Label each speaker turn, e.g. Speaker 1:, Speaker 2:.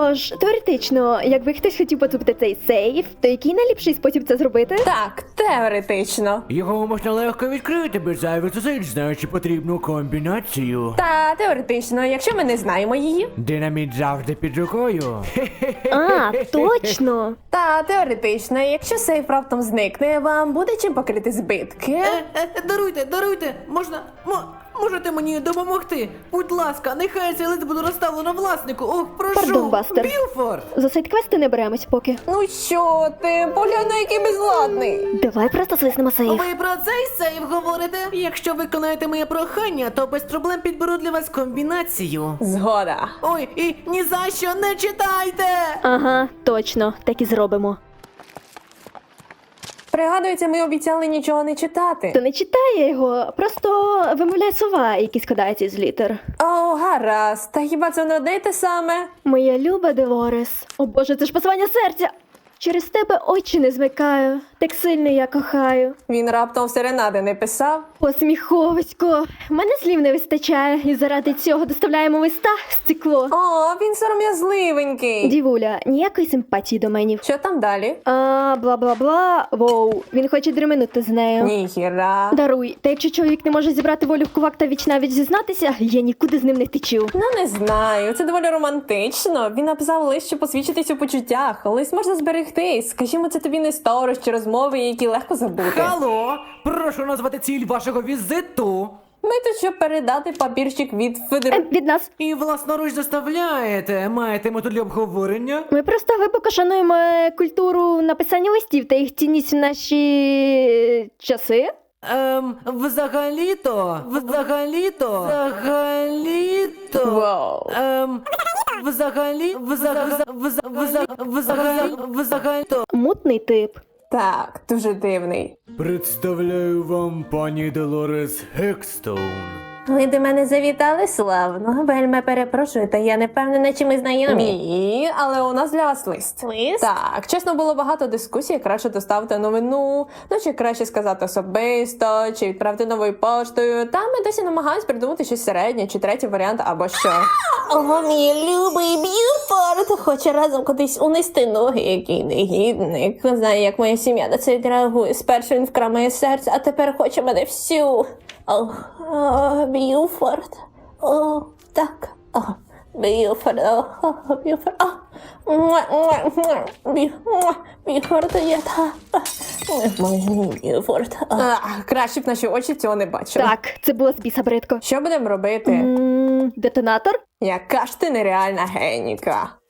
Speaker 1: Тож, теоретично, якби хтось хотів поцупити цей сейф, то який найліпший спосіб це зробити?
Speaker 2: Так, теоретично.
Speaker 3: Його можна легко відкрити без зайвих зусиль, знаючи потрібну комбінацію.
Speaker 2: Та теоретично, якщо ми не знаємо її.
Speaker 3: Динаміт завжди під рукою.
Speaker 1: А, точно!
Speaker 2: Та теоретично, якщо сейф раптом зникне, вам буде чим покрити збитки.
Speaker 4: Даруйте, можете мені допомогти? Будь ласка, нехай цей лист буде розставлено власнику. Ох, прошу.
Speaker 1: Пардон, Бастер.
Speaker 4: Білфорд!
Speaker 1: За сайт-квести не беремось поки.
Speaker 2: Ну що ти, поглянь, на який безладний.
Speaker 1: Давай просто свиснемо сейф.
Speaker 4: Ви про цей сейф говорите? Якщо виконаєте моє прохання, то без проблем підберу для вас комбінацію.
Speaker 2: Згода.
Speaker 4: Ой, і ні за що не читайте!
Speaker 1: Ага, точно, так і зробимо.
Speaker 2: Пригадується, ми обіцяли нічого не читати.
Speaker 1: То не читає його, просто вимовляє слова, які складаються з літер.
Speaker 2: О, гаразд. Та хіба це не одне й те саме?
Speaker 1: Моя люба Делорес. О боже, це ж послання серця! Через тебе очі не змикаю, так сильно я кохаю.
Speaker 2: Він раптом серенади не писав.
Speaker 1: Посміховисько, мене слів не вистачає, і заради цього доставляємо листа в стекло.
Speaker 2: О, він сором'язливенький.
Speaker 1: Дівуля, ніякої симпатії до менів.
Speaker 2: Що там далі?
Speaker 1: Бла-бла-бла, воу, він хоче дременути з нею.
Speaker 2: Ніхіра.
Speaker 1: Даруй, та якщо чоловік не може зібрати волю в кулак та віч-навіч зізнатися, я нікуди з ним не втечу.
Speaker 2: Ну, не знаю, це доволі романтично. Він написав лист, щоб посвідчитись у почуттях. Лист можна зберегти. Скажімо, це тобі не сторож чи розмови, які легко забути.
Speaker 4: Алло, прошу назвати ціль вашого візиту.
Speaker 2: Ми тут, щоб передати папірчик від Федер...
Speaker 1: Від нас.
Speaker 4: І власноруч доставляєте. Маєте мету для обговорення?
Speaker 1: Ми просто глибоко шануємо культуру написання листів та їх цінність в наші часи.
Speaker 4: Взагалі-то.
Speaker 2: Вау.
Speaker 4: Взагалі-то.
Speaker 1: Мутний тип.
Speaker 2: Так, дуже дивний.
Speaker 3: Представляю вам пані Делорес Гекстоун.
Speaker 2: Ви до мене завітали, славно. Вельми перепрошую, та я не впевнена, чи ми знайомі. Ні, але у нас для вас лист.
Speaker 1: Лист?
Speaker 2: Так, чесно, було багато дискусій, краще доставити новину, ну чи краще сказати особисто, чи відправити новою поштою. Та ми досі намагаємось придумати щось середнє, чи третій варіант, або що. Ого, мій любий Б'юфорд хоче разом кудись унести ноги, який негідник. Не знаю, як моя сім'я на це відреагує. Спершу він вкрав моє серце, а тепер хоче мене всю. Б'юфорд. О, так. Б'юфорд. Б'юфорд. Б'юфорд, я Б'юфорд. Краще б наші очі цього не бачили.
Speaker 1: Так, це було з біса бридко.
Speaker 2: Що будемо робити?
Speaker 1: Детонатор?
Speaker 2: Яка ж ти нереальна геніка.